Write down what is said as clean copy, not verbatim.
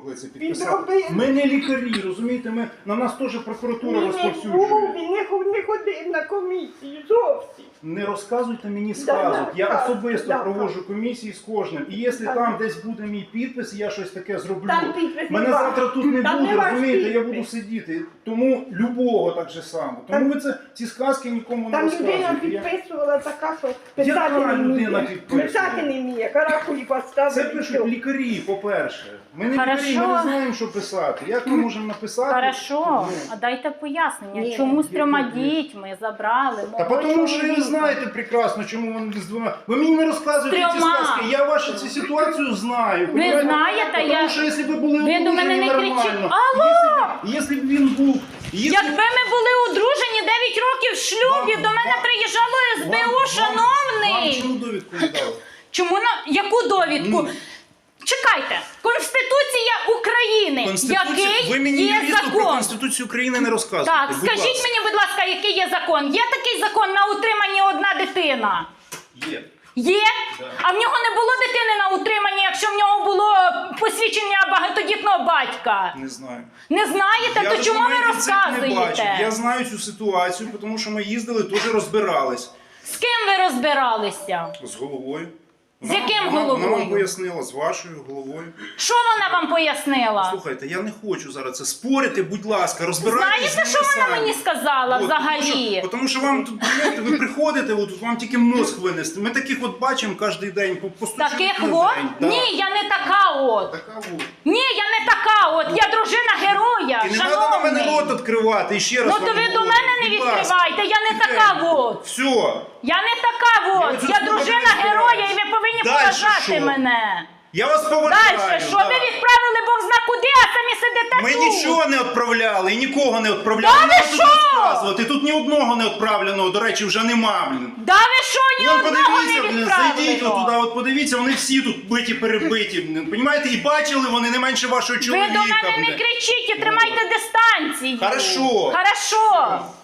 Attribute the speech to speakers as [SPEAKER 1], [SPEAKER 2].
[SPEAKER 1] могли це підписати. Ми не лікарі, розумієте, на нас теж прокуратура розповсюджує.
[SPEAKER 2] Він не ходив на комісію зовсім.
[SPEAKER 1] Не розказуйте мені сказок. Я особисто проводжу комісії з кожним. І якщо там десь буде мій підпис, і я щось таке зроблю, мене завтра тут не буде, розумієте, я буду сидіти. Тому любого так же само. Тому ви ці сказки нікому не розказуєте.
[SPEAKER 2] Там людина підписувала така, що писати не вміє. Каракулі поставили.
[SPEAKER 1] Це пишуть лікарі, по-перше. Ми не лікарі, ми не знаємо, що писати. Як ми можемо написати?
[SPEAKER 3] Хорошо, а дайте пояснення, чому з 3 дітьми забрали?
[SPEAKER 1] Та тому що ви знаєте прекрасно, чому вони з 2. Ви мені не розказуєте ці сказки, я вашу цю ситуацію знаю.
[SPEAKER 3] Ви знаєте,
[SPEAKER 1] тому що якщо ви були
[SPEAKER 3] ви до мене
[SPEAKER 1] одружені
[SPEAKER 3] не кричіть.
[SPEAKER 1] нормально,
[SPEAKER 3] Алло!
[SPEAKER 1] якщо б він був...
[SPEAKER 3] Якби ми були одружені 9 років в шлюбі, до мене приїжджало СБУ, шановний!
[SPEAKER 1] Вам чому довідку не дали?
[SPEAKER 3] Чому яку довідку? Чекайте, Конституція України, який
[SPEAKER 1] Ви мені
[SPEAKER 3] є
[SPEAKER 1] юристу про
[SPEAKER 3] закон.
[SPEAKER 1] Конституцію України не розказуєте.
[SPEAKER 3] Так, скажіть мені, будь ласка, який є закон? Є такий закон на утриманні одна дитина?
[SPEAKER 1] Є.
[SPEAKER 3] Є?
[SPEAKER 1] Да.
[SPEAKER 3] А в нього не було дитини на утриманні, якщо в нього було посвідчення багатодітного батька?
[SPEAKER 1] Не знаю.
[SPEAKER 3] Не знаєте? То чому ви
[SPEAKER 1] документів цих не бачив.
[SPEAKER 3] розказуєте?
[SPEAKER 1] Я знаю цю ситуацію, тому що ми їздили, теж розбирались.
[SPEAKER 3] З ким ви розбиралися?
[SPEAKER 1] З головою.
[SPEAKER 3] З яким
[SPEAKER 1] Вона вам
[SPEAKER 3] головою?
[SPEAKER 1] пояснила, з вашою головою.
[SPEAKER 3] Що вона вам пояснила?
[SPEAKER 1] Слухайте, я не хочу зараз це спорити, будь ласка, розбирайтесь.
[SPEAKER 3] Знаєте, що вона мені сказала взагалі?
[SPEAKER 1] Тому що вам тут, знаєте, ви приходите, от вам тільки мозк винести. Ми таких от бачимо кожен день, постучимо
[SPEAKER 3] Таких
[SPEAKER 1] на
[SPEAKER 3] от?
[SPEAKER 1] день. Да.
[SPEAKER 3] Ні, я не така от.
[SPEAKER 1] Така от.
[SPEAKER 3] Ні, я не така от. Я дружина героя,
[SPEAKER 1] І не треба на мене
[SPEAKER 3] шановний.
[SPEAKER 1] рот відкривати, і ще раз
[SPEAKER 3] Ну
[SPEAKER 1] вам
[SPEAKER 3] то ви до
[SPEAKER 1] говорю.
[SPEAKER 3] мене не
[SPEAKER 1] Будь ласка.
[SPEAKER 3] відкривайте, я не така от.
[SPEAKER 1] Все.
[SPEAKER 3] Я не така от.
[SPEAKER 1] оцю
[SPEAKER 3] Я
[SPEAKER 1] слухати
[SPEAKER 3] дружина
[SPEAKER 1] не
[SPEAKER 3] героя і ви повинні
[SPEAKER 1] Дальше
[SPEAKER 3] поважати
[SPEAKER 1] що?
[SPEAKER 3] мене.
[SPEAKER 1] Я вас поважаю.
[SPEAKER 3] Далі, що
[SPEAKER 1] да.
[SPEAKER 3] ви відправили Бог зна куди, а самі сидите
[SPEAKER 1] Ми
[SPEAKER 3] тут?
[SPEAKER 1] нічого не відправляли і нікого не відправляли.
[SPEAKER 3] Да
[SPEAKER 1] Не
[SPEAKER 3] ви
[SPEAKER 1] треба
[SPEAKER 3] що?
[SPEAKER 1] тут розказувати. Тут ні одного не відправленого, до речі, вже нема, блін.
[SPEAKER 3] Да ви що, ні
[SPEAKER 1] Вон,
[SPEAKER 3] одного
[SPEAKER 1] подивіться,
[SPEAKER 3] не
[SPEAKER 1] блін, зайдіть
[SPEAKER 3] відправили?
[SPEAKER 1] отуди, от подивіться, вони всі тут биті, перебиті, блін. Понімаєте? І бачили вони не менше вашого
[SPEAKER 3] Ви
[SPEAKER 1] чоловіка,
[SPEAKER 3] до мене не
[SPEAKER 1] блін.
[SPEAKER 3] кричіть і тримайте дистанцію.
[SPEAKER 1] Хорошо.
[SPEAKER 3] Хорошо.